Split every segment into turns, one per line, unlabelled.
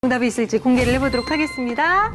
정답이 있을지 공개를 해보도록 하겠습니다.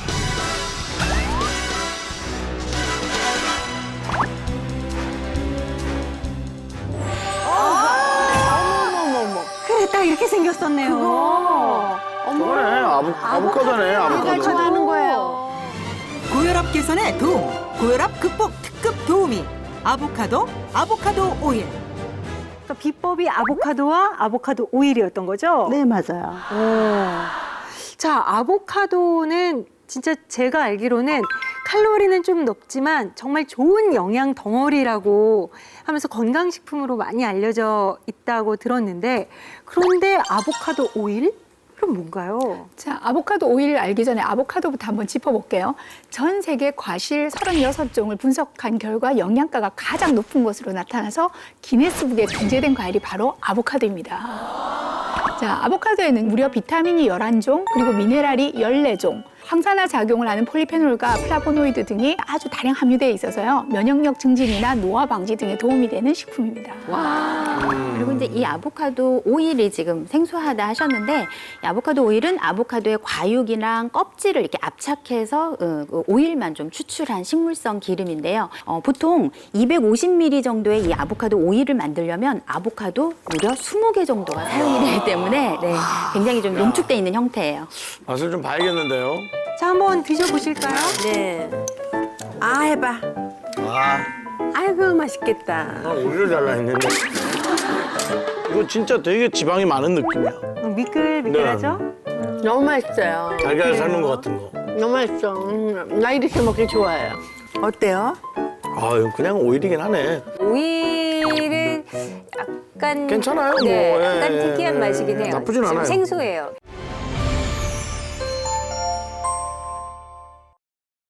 그래, 딱 이렇게 생겼었네요.
저거네, 아보카도네, 아보카도.
좋아하는 거예요.
고혈압 개선에 도움, 고혈압 극복 특급 도우미 아보카도 오일.
그러니까 비법이 아보카도와 아보카도 오일이었던 거죠?
네, 맞아요.
자, 아보카도는 진짜 제가 알기로는 칼로리는 좀 높지만 정말 좋은 영양 덩어리라고 하면서 건강식품으로 많이 알려져 있다고 들었는데, 그런데 아보카도 오일? 그럼 뭔가요?
자, 아보카도 오일을 알기 전에 아보카도부터 한번 짚어볼게요. 전 세계 과실 36종을 분석한 결과 영양가가 가장 높은 것으로 나타나서 기네스북에 등재된 과일이 바로 아보카도입니다. 자, 아보카도에는 무려 비타민이 11종, 그리고 미네랄이 14종, 항산화 작용을 하는 폴리페놀과 플라보노이드 등이 아주 다량 함유되어 있어서요. 면역력 증진이나 노화 방지 등에 도움이 되는 식품입니다.
그리고 이제 이 아보카도 오일이 지금 생소하다 하셨는데, 이 아보카도 오일은 아보카도의 과육이랑 껍질을 이렇게 압착해서 그 오일만 좀 추출한 식물성 기름인데요. 보통 250ml 정도의 이 아보카도 오일을 만들려면 아보카도 무려 20개 정도가 사용이 되기 때문에 네, 굉장히 좀 농축돼 있는 형태예요.
맛을 좀 봐야겠는데요.
자, 한번 드셔보실까요?
네. 아, 해봐.
아,
아이고, 맛있겠다.
오히려 잘라했는데. 이거 진짜 되게 지방이 많은 느낌이야.
미끌미끌하죠?
너무 맛있어요.
달걀 삶은 것 같은 거.
너무 맛있어. 나 이렇게 먹기 좋아해요. 어때요?
아, 이거 그냥 오일이긴 하네.
오일은 약간
괜찮아요, 뭐.
네,
예,
약간
예,
특이한
예.
맛이긴 해요.
나쁘진
좀
않아요.
생소해요.